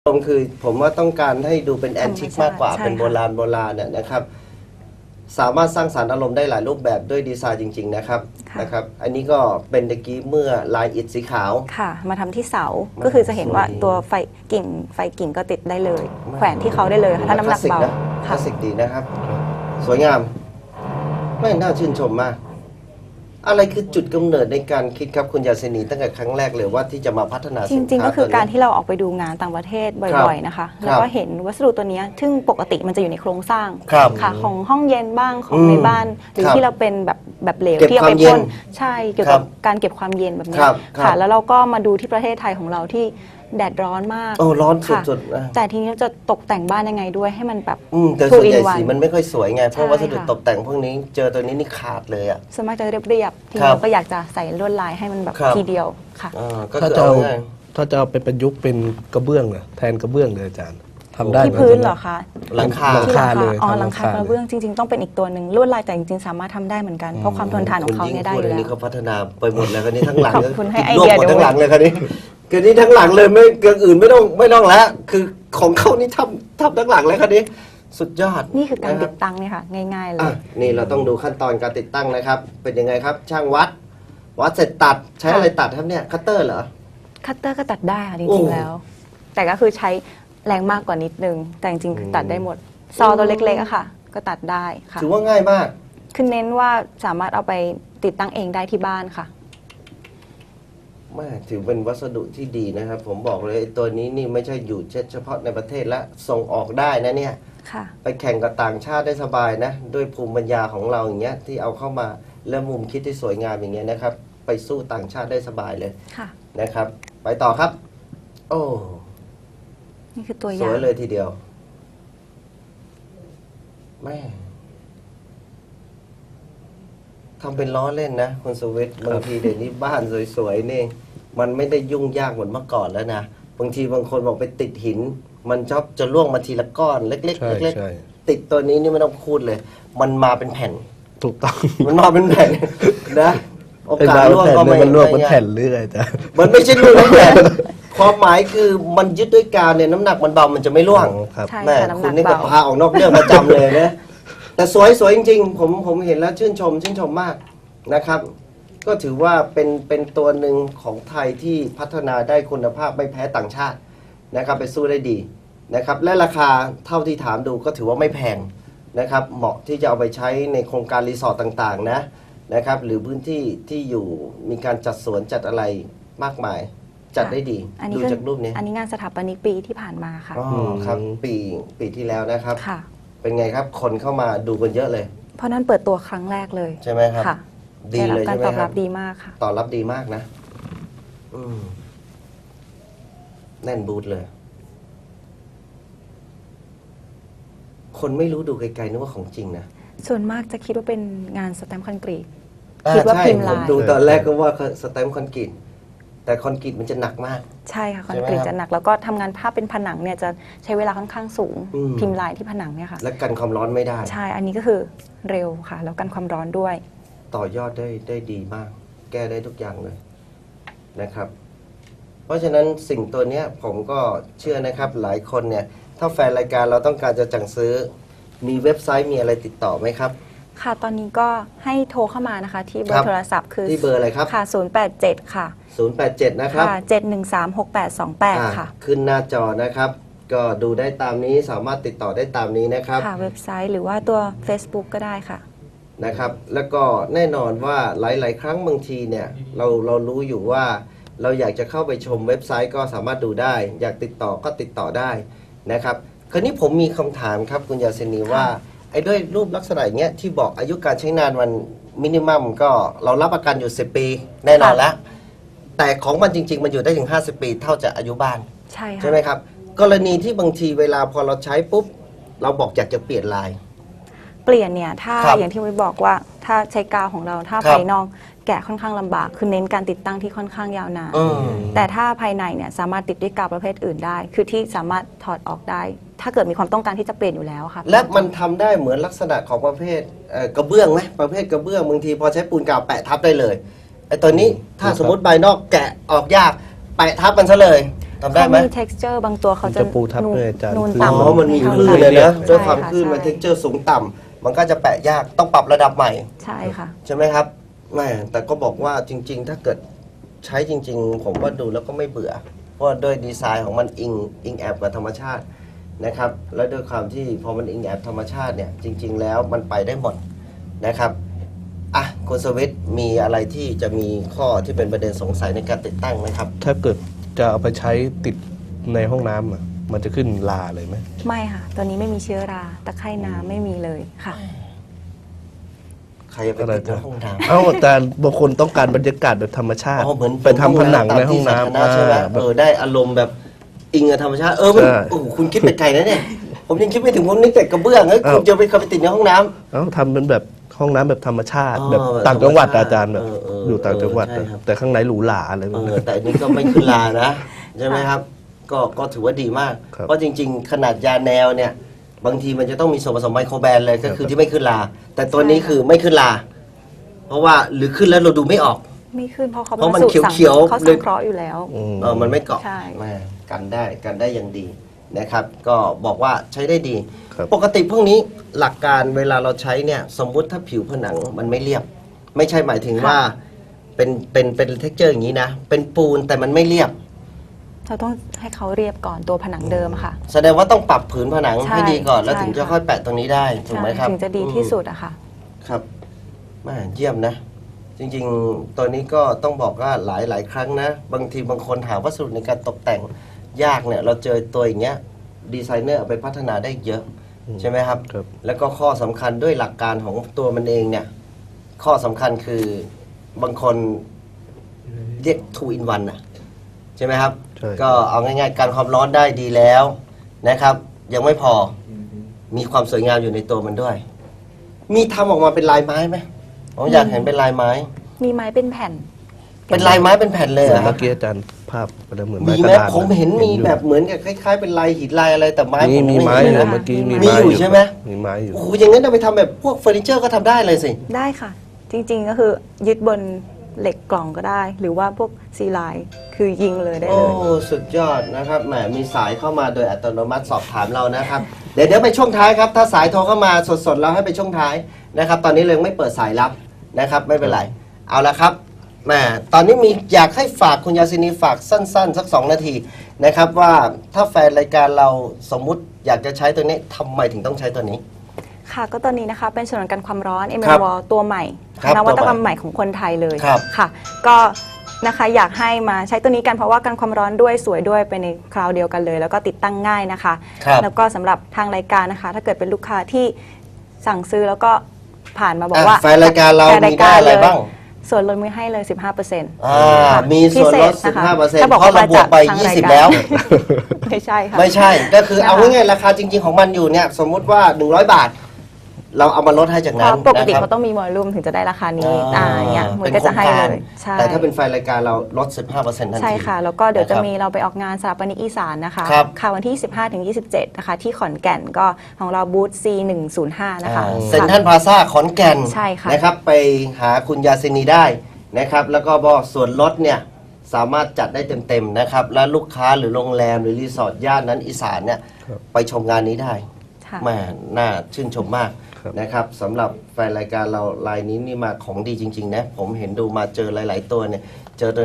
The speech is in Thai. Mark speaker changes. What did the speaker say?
Speaker 1: คือผมว่าต้องการให้ดูเป็นแอนทิกมากกว่า
Speaker 2: ใช่
Speaker 1: เป็นโบราณเนี่ยนะครับสามารถสร้างสรรค์อารมณ์ได้หลายรูปแบบด้วยดีไซน์จริงๆนะครับอันนี้ก็เป็นตะกี้เมื่อลายอิฐสีขาว
Speaker 2: ค่ะมาทำที่เสาก็คือจะเห็นว่าตัวไฟกิ่งก็ติดได้เลย แขวนที่เขาได้เลยค่ะถ้าน้ำหนักเบา
Speaker 1: คลาสสิกดีนะครับสวยงามไม่น่าชื่นชมมากอะไรคือจุดกำเนิดในการคิดครับคุณยาเสนีตั้งแต่ครั้งแรกเลยว่าที่จะมาพัฒนา
Speaker 2: จริงๆก็คือการที่เราออกไปดูงานต่างประเทศบ่อยๆนะคะแล้วก็เห็นวัสดุตัวนี้ซึ่งปกติมันจะอยู่ในโครงสร้างค่ะของห้องเย็นบ้างของในบ้านหรือที่เราเป็นแบบเหลวที่เอาไปพ่นใช่เกี่ยวกับการเก็บความเย็นแบบนี้ค่ะแล้วเราก็มาดูที่ประเทศไทยของเราที่แดดร้อนมาก
Speaker 1: ร้อนสุดๆ
Speaker 2: แต่ทีนี้จะตกแต่งบ้านยังไงด้วยให้มันแบบ
Speaker 1: แต่ส่วนใหญ่สีมันไม่ค่อยสวยไงเพราะวัสดุตกแต่งพวกนี้เจอตัวนี้นี่ขาดเลยอ่ะ
Speaker 2: ส่วนมากจะเรียบๆทีนี้ก็อยากจะใส่ลวดลายให้มันแบบทีเดียวค่ะ
Speaker 3: ถ้าจะเอาไปประยุกต์เป็นกระเบื้องแทนกระเบื้องเลยอาจารย์ทำได้
Speaker 2: ที่พื้นเหรอคะ
Speaker 1: หลังคา
Speaker 3: เลย
Speaker 2: หลังคากระเบื้องจริงๆต้องเป็นอีกตัวหนึ่งลวดลายแต่จริงๆสามารถทำได้เหมือนกันเพราะความทนทานของเขาเนี่ยได้อยู่แล้ว
Speaker 1: นี่เขาพัฒนาไปหมดแล้วกันนี้ทั้งหลัง
Speaker 2: ขอบคุณให้ไอเดีย
Speaker 1: หมดทั้งหลังเลยกันนี้กันนี้ทั้งหลังเลยไม่เกินอื่นไม่ต้องแล้วคือของเขานี่ทำทั้งหลังเลยกันนี้สุดยอด
Speaker 2: นี่คือการติดตั้งเนี่ยค่ะง่ายๆเลย
Speaker 1: นี่เราต้องดูขั้นตอนการติดตั้งนะครับเป็นยังไงครับช่างวัดเสร็จตัดใช้อะไรตัดครับเนี่ยคัตเตอร์เหรอ
Speaker 2: คัตเตอร์ก็ตัดได้ค่ะจริงๆแล้วแต่ก็คือใช้แรงมากกว่านิดนึงแต่จริงๆตัดได้หมดซอตัวเล็กๆอะค่ะก็ตัดได้ค่ะ
Speaker 1: ถือว่าง่ายมาก
Speaker 2: คือเน้นว่าสามารถเอาไปติดตั้งเองได้ที่บ้านค่ะ
Speaker 1: ถือเป็นวัสดุที่ดีนะครับผมบอกเลยตัวนี้นี่ไม่ใช่อยู่เฉพาะในประเทศและส่งออกได้นะเนี่ยไปแข่งกับต่างชาติได้สบายนะด้วยภูมิปัญญาของเราอย่างเงี้ยที่เอาเข้ามาและมุมคิดที่สวยงามอย่างเงี้ยนะครับไปสู้ต่างชาติได้สบายเลยนะครับไปต่อครับโอ้
Speaker 2: นี่คือตัวอย่าง
Speaker 1: สวยเลยทีเดียวแม่ทำเป็นล้อเล่นนะคุณสุวิทย์บางทีเดี๋ยวนี้บ้านสวยๆนี่มันไม่ได้ยุ่งยากเหมือนเมื่อก่อนแล้วนะบางทีบางคนบอกไปติดหินมันชอบจะล่วงมาทีละก้อนเล็กๆเล็กๆติดตัวนี้นี่ไม่ต้องพูดเลยมันมาเป็นแผ่น
Speaker 3: ถูกต้อง
Speaker 1: มันมาเป็นแผ่นนะโอกาสล่วงก็ไม่
Speaker 3: มันล่วงเป็นแผ่นหรืออะไรจ้ะ
Speaker 1: มันไม่ใช่ล่วงเป็นแผ่นความหมายคือมันยึดด้วยกาวเนี่ยน้ำหนักมันเบามันจะไม่ร่วงแม่คุณนี่ก็พาออกนอกเรื่องประจำเลยนะแต่สวยจริงๆผมเห็นแล้วชื่นชมมากนะครับก็ถือว่าเป็นตัวหนึ่งของไทยที่พัฒนาได้คุณภาพไม่แพ้ต่างชาตินะครับไปสู้ได้ดีนะครับและราคาเท่าที่ถามดูก็ถือว่าไม่แพงนะครับเหมาะที่จะเอาไปใช้ในโครงการรีสอร์ทต่างๆนะครับหรือพื้นที่ที่อยู่มีการจัดสวนจัดอะไรมากมายจัดได้ดีดูจากรูปนี้
Speaker 2: อันนี้งานสถาปนิกปีที่ผ่านมาค่ะ
Speaker 1: ครับปีที่แล้วนะครับเป็นไงครับคนเข้ามาดูกันเยอะเลย
Speaker 2: เพราะนั้นเปิดตัวครั้งแรกเลย
Speaker 1: ใช่ไหมครับดีเลยใช่ไหมครับ
Speaker 2: การตอบรับดีมากค่ะ
Speaker 1: ตอบรับดีมากนะแน่นบูธเลยคนไม่รู้ดูไกลๆนึกว่าของจริงนะ
Speaker 2: ส่วนมากจะคิดว่าเป็นงานสแตมป์คอนกรีตคิดว่าพิมพ์ลาย
Speaker 1: ผมดูตอนแรกก็ว่าสแตมป์คอนกรีตแต่คอนกรีตมันจะหนักมาก
Speaker 2: ใช่ค่ะคอนกรีตจะหนักแล้วก็ทำงานภาพเป็นผนังเนี่ยจะใช้เวลาค่อนข้างสูงพิมพ์ลายที่ผนังเนี่ยค่ะ
Speaker 1: และกันความร้อนไม่ได้
Speaker 2: ใช่อันนี้ก็คือเร็วค่ะแล้วกันความร้อนด้วย
Speaker 1: ต่อยอดได้ดีมากแก้ได้ทุกอย่างเลยนะครับเพราะฉะนั้นสิ่งตัวนี้ผมก็เชื่อนะครับหลายคนเนี่ยถ้าแฟนรายการเราต้องการจะสั่งซื้อมีเว็บไซต์มีอะไรติดต่อไหมครับ
Speaker 2: ค่ะตอนนี้ก็ให้โทรเข้ามานะคะที่เบอร์โทรศัพท์คือ
Speaker 1: ที่เบอร์อะไรครับ
Speaker 2: ค่ะ087ค่ะ
Speaker 1: 087นะครับ
Speaker 2: ค่ะ7136828ค่ะ
Speaker 1: ขึ้นหน้าจอนะครับก็ดูได้ตามนี้สามารถติดต่อได้ตามนี้นะครับ
Speaker 2: ค่ะเว็บไซต์หรือว่าตัว Facebook ก็ได้ค่ะ
Speaker 1: นะครับแล้วก็แน่นอนว่าหลายๆครั้งบางทีเนี่ยเรารู้อยู่ว่าเราอยากจะเข้าไปชมเว็บไซต์ก็สามารถดูได้อยากติดต่อก็ติดต่อได้นะครับคราวนี้ผมมีคำถามครับคุณยาเสนีว่าไอ้ด้วยรูปลักษณะอย่างเงี้ยที่บอกอายุการใช้งานมันมินิมัมก็เรารับประกันอยู่10 ปีแน่นอนแล้วแต่ของมันจริงๆมันอยู่ได้ถึง50 ปีเท่าจะอายุบ้านใช่ไหมครับกรณีที่บางทีเวลาพอเราใช้ปุ๊บเราบอกอยากจะเปลี่ยนลาย
Speaker 2: เปลี่ยนเนี่ยถ้าอย่างที่วิบอกว่าถ้าใช้กาวของเราถ้าภายนอกแกะค่อนข้างลำบากคือเน้นการติดตั้งที่ค่อนข้างยาวนานแต่ถ้าภายในเนี่ยสามารถติดด้วยกาวประเภทอื่นได้คือที่สามารถถอดออกได้ถ้าเกิดมีความต้องการที่จะเปลี่ยนอยู่แล้วค่ะ
Speaker 1: และมันทำได้เหมือนลักษณะของประเภทกระเบื้องไหมประเภทกระเบื้องบางทีพอใช้ปูนกาวแปะทับได้เลยไอ้ตัวนี้ถ้าสมมติใบนอกแกะออกยากแปะทับมันซะเลยทำได้ไหม
Speaker 2: เขามี texture บางตัวเขาจะ
Speaker 3: จะปูทับด้วยอาจารย์
Speaker 2: นูน
Speaker 3: คือ
Speaker 2: ต่ำ
Speaker 1: อ๋อมันมีคลื่นเลยนะด้วยความคลื่นมันเท็กเจอร์สูงต่ำมันก็จะแปะยากต้องปรับระดับใหม่
Speaker 2: ใช่ค่ะ
Speaker 1: ใช่ไหมครับไม่แต่ก็บอกว่าจริง ๆ ถ้าเกิดใช้จริง ๆ ผมว่าดูแล้วก็ไม่เบื่อ เพราะด้วยดีไซน์ของมันอิงแอบกับธรรมชาตินะครับ แล้วด้วยความที่พอมันอิงแอบธรรมชาติเนี่ยจริง ๆ แล้วมันไปได้หมดนะครับอ่ะคุณสวิทย์มีอะไรที่จะมีข้อที่เป็นประเด็นสงสัยในการติดตั้งไหมครับ
Speaker 3: ถ้าเกิดจะเอาไปใช้ติดในห้องน้ำอะมันจะขึ้นลาเลยไหม
Speaker 2: ไม่ค่ะตัวนี้ไม่มีเชื้อราตะไคร่น้ำไม่มีเลยค่ะ
Speaker 1: ใครจะไปติดในห้องน้ำ
Speaker 3: เอ้าแต่บางคนต้องการบรรยากาศแบบธรรมชาติ
Speaker 1: อ๋อเหมือน
Speaker 3: ไปทำผนังในห้องน้ำ
Speaker 1: ตามที่สาธารณะใช่ไหม
Speaker 3: แบบ
Speaker 1: ได้อารมณ์แบบอิงกับธรรมชาติมัน
Speaker 3: ใช่
Speaker 1: โอ้โหคุณคิดไปไกลนะเนี่ยผมยังคิดไม่ถึงผมนึกแต่กระเบื้องเฮ้ย
Speaker 3: อ้าว
Speaker 1: คุณจะไปเข้าไปติดในห้องน้ำ
Speaker 3: เอ้าทำเป็นแบบห้องน้ำแบบธรรมชาติ
Speaker 1: อ๋อ
Speaker 3: แบบต่างจังหวัด
Speaker 1: แบบธรรมชาติ
Speaker 3: อาจารย์แบบ อยู่ต่างจังหวัด
Speaker 1: ใช่ครับ
Speaker 3: แต่ข้างในหรูหราอะไรแบบนี้
Speaker 1: แต่อันนี้ก็ไม่ขึ้นลานะ ใช่ไหมครับ ก็ถือว่าดีมาก
Speaker 3: ครับ
Speaker 1: เพราะจริง ๆ ขนาดยาแนวเนี่ย บางทีมันจะต้องมีส่วนผสมไมโครแบนเลยก็คือที่ไม่ขึ้นลา แต่ตัวนี้คือไม่ขึ้นลา เพราะว่าหรือขึ้นแล้วเราดูไม่ออก
Speaker 2: ไม่ขึ้นเพราะเขา
Speaker 1: เพราะมัน
Speaker 2: สูตร
Speaker 1: เขียวๆ
Speaker 2: เขา
Speaker 1: เล
Speaker 2: สั
Speaker 1: ย
Speaker 2: งเคราะห์อยู่แล้ว
Speaker 1: มันไม่เกาะ
Speaker 2: ใช่
Speaker 1: แม่กันได้อย่างดีนะครับ ก็บอกว่าใช้ได้ดี
Speaker 3: ครับ
Speaker 1: ปกติพวกนี้หลักการเวลาเราใช้เนี่ย สมมุติถ้าผิวผนังมันไม่เรียบ ไม่ใช่หมายถึงว่าเป็นเท็กเจอร์อย่างนี้นะ เป็นปูนแต่มันไม่เรียบ
Speaker 2: เราต้องให้เขาเรียบก่อนตัวผนังเดิมอะค่ะ
Speaker 1: แสดงว่าต้องปรับผืนผนัง
Speaker 2: ใช่
Speaker 1: ให้ดีก่อน แล้ว
Speaker 2: ใช่
Speaker 1: ถึงจะ
Speaker 2: ค่ะ
Speaker 1: ค่อยแปะตรงนี้ได้ถูกไหมครับ
Speaker 2: ถึงจะดีที่สุดอะค่ะ
Speaker 1: ครับแม่เยี่ยมนะ จริงๆ ตัวนี้ก็ต้องบอกว่าหลายครั้งนะ บางทีบางคนหาวัสดุในการตกแต่งยากเนี่ย เราเจอตัวอย่างเงี้ยดีไซเนอร์เอาไปพัฒนาได้เยอะ ใช่ไหมครับ
Speaker 3: ครับ
Speaker 1: แล้วก็ข้อสำคัญด้วยหลักการของตัวมันเองเนี่ย ข้อสำคัญคือบางคนเรียก 2 in 1 นะใช่ไหมครับ
Speaker 3: ใช่
Speaker 1: ก็เอาง่ายๆ การความร้อนได้ดีแล้วนะครับ ยังไม่พอมีความสวยงามอยู่ในตัวมันด้วย มีทำออกมาเป็นลายไม้ไหมผมอยากเห็นเป็นลายไม้
Speaker 2: มีไม้เป็นแผ่น
Speaker 1: เป็นลายไม้เป็นแผ่นเลย
Speaker 3: เห
Speaker 1: เห
Speaker 3: มื
Speaker 1: ร
Speaker 3: อน
Speaker 1: อครั
Speaker 3: เมื่
Speaker 1: บ
Speaker 3: อกี้อาจารย์ภาพมันเหมือน
Speaker 1: มี
Speaker 3: ไม้ก
Speaker 1: ไหม
Speaker 3: ระดาน
Speaker 1: ผมเห็นมี
Speaker 3: อยู่
Speaker 1: แบบเหมือนกับคล้ายๆ เป็นลายหินลายอะไรแต่ไม้
Speaker 3: มี
Speaker 1: ผ
Speaker 3: ไม้
Speaker 1: เห็น
Speaker 3: อยู่
Speaker 1: นะ
Speaker 3: เมื่อกี้
Speaker 1: มีอยู่ใช่ไหม
Speaker 3: มีไม้อยู่
Speaker 1: โอ้โหอย่างนั้นเอาไปทำแบบพวกเฟอร์นิเจอร์ก็ทำได้เลยสิ
Speaker 2: ได้ค่ะ จริงๆก็คือยึดบนเหล็กกล่องก็ได้ หรือว่าพวกซีไลน์คือยิงเลยได้
Speaker 1: โอ้
Speaker 2: เลย
Speaker 1: สุดยอดนะครับแหมมีสายเข้ามาโดยอัตโนมัติสอบถามเรานะครับ เดี๋ยวไปช่วงท้ายครับ ถ้าสายโทรเข้ามาสดๆเราให้ไปช่วงท้ายนะครับ ตอนนี้เรายังไม่เปิดสายรับนะครับ ไม่เป็นไร เอาละครับแหมตอนนี้มีอยากให้ฝากคุณยาซินีฝากสั้นๆ สัก 2 นาทีนะครับ ว่าถ้าแฟนรายการเราสมมุติอยากจะใช้ตัวนี้ทำไมถึงต้องใช้ตัวนี้
Speaker 2: ค่ะก็ตอนนี้นะคะเป็นฉนวนกันความร้อน m
Speaker 1: ครับ
Speaker 2: m w ตัวใหม่
Speaker 1: ครับ
Speaker 2: นวัตกรรมใหม่ของคนไทยเลย
Speaker 1: ครับ
Speaker 2: ค่ะ ก็นะคะอยากให้มาใช้ตัวนี้กันเพราะว่ากันความร้อนด้วยสวยด้วยไปในคราวเดียวกันเลย แล้วก็ติดตั้งง่ายนะคะ
Speaker 1: ครับ
Speaker 2: แล้วก็สำหรับทางรายการนะคะ ถ้าเกิดเป็นลูกค้าที่สั่งซื้อแล้วก็ผ่านมาบอกว่า
Speaker 1: แฟนรายการเรา
Speaker 2: แฟน
Speaker 1: มีได้อะไรบ้าง
Speaker 2: ส่วนลดมือให้เลย 15%
Speaker 1: มีส่วนลด
Speaker 2: พิเศษนะคะ
Speaker 1: 15%
Speaker 2: ถ้าบอก
Speaker 1: เพราะเราบวกไป
Speaker 2: ทางราย
Speaker 1: 20
Speaker 2: การ
Speaker 1: แล้ว
Speaker 2: ไม่ใช่ค่ะ
Speaker 1: ไม่ใช่ ก็คือเอา
Speaker 2: นะคะ
Speaker 1: ง่ายๆราคาจริง ๆ ของมันอยู่เนี่ย สมมุติว่า 100 บาท เราเอามาลดให้จาก
Speaker 2: เพ
Speaker 1: นั้น
Speaker 2: ราะปกติ
Speaker 1: นะครับ
Speaker 2: เขาต้องมีวอลลุ่มถึงจะได้ราคานี้อย่างเงี้ยมัน
Speaker 1: เป็น
Speaker 2: ก็
Speaker 1: โคร
Speaker 2: จะ
Speaker 1: ง
Speaker 2: ให้
Speaker 1: การ
Speaker 2: เลยใช่
Speaker 1: แต่ถ้าเป็นไฟล์รายการเราลด 15%ทันที
Speaker 2: ใช่ค่ะ แล้วก็เดี๋ยวจะ
Speaker 1: นะครับ
Speaker 2: มีเราไปออกงานสถาปนิกอีสานนะคะ
Speaker 1: ครับ
Speaker 2: ค่ะวันที่ 15 ถึง 27 นะคะ ที่ขอนแก่นก็ของเราบูธ C105 นะคะ
Speaker 1: เซ็นทรัลพลาซ่าขอนแก่น
Speaker 2: ใช่ค่ะ
Speaker 1: นะครับ ไปหาคุณยาซินีได้นะครับ แล้วก็บอกส่วนลดเนี่ย สามารถจัดได้เต็มๆนะครับ และลูกค้าหรือโรงแรมหรือรีสอร์ทย่านนั้นอีสานเนี่ย
Speaker 3: ครับ
Speaker 1: ไปชมงานนี้ได้
Speaker 2: ค่ะ
Speaker 1: แม่น่าชื่นชมมาก
Speaker 3: ครับ
Speaker 1: นะครับสำหรับแฟนรายการเรารายนี้นี่มาของดีจริง ๆ นะ ผมเห็นดูมาเจอหลาย ๆ ตัวเนี่ยเจอตัว